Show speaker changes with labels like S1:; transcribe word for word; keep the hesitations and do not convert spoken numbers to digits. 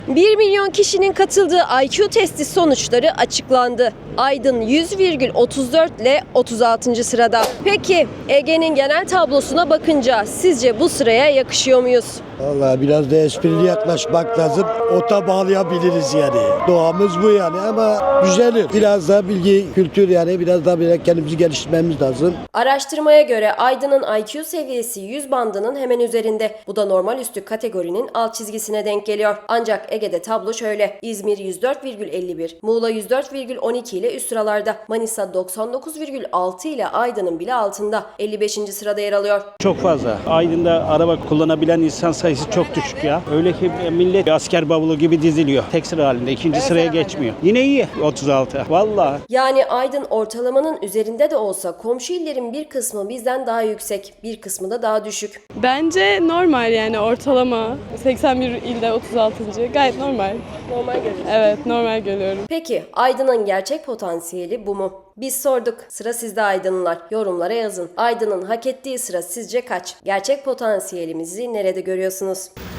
S1: bir milyon kişinin katıldığı I Q testi sonuçları açıklandı. Aydın yüz virgül otuz dört ile otuz altıncı sırada. Peki Ege'nin genel tablosuna bakınca sizce bu sıraya yakışıyor muyuz?
S2: Vallahi biraz da esprili yaklaşmak lazım. Ota bağlayabiliriz yani. Doğamız bu yani ama güzelir. Biraz da bilgi, kültür yani biraz daha böyle kendimizi geliştirmemiz lazım.
S1: Araştırmaya göre Aydın'ın I Q seviyesi yüz bandının hemen üzerinde. Bu da normal üstü kategorinin alt çizgisine denk geliyor. Ancak Ege'de tablo şöyle. İzmir yüz dört virgül elli bir, Muğla yüz dört virgül on iki ile üst sıralarda. Manisa doksan dokuz virgül altı ile Aydın'ın bile altında. elli beşinci sırada yer alıyor.
S3: Çok fazla. Aydın'da araba kullanabilen insan sayısı çok düşük ya. Öyle ki millet asker bavulu gibi diziliyor. Tek sıra halinde. ikinci sıraya geçmiyor. Yine iyi. otuz altı. Vallahi.
S1: Yani Aydın ortalamanın üzerinde de olsa komşu illerin bir kısmı bizden daha yüksek, bir kısmı da daha düşük.
S4: Bence normal yani ortalama. seksen bir ilde otuz altıncı. Gayet normal.
S1: Normal görüyoruz.
S4: Evet, normal görüyorum.
S1: Peki Aydın'ın gerçek potansiyeli bu mu? Biz sorduk. Sıra sizde Aydınlılar. Yorumlara yazın. Aydın'ın hak ettiği sıra sizce kaç? Gerçek potansiyelimizi nerede görüyorsunuz?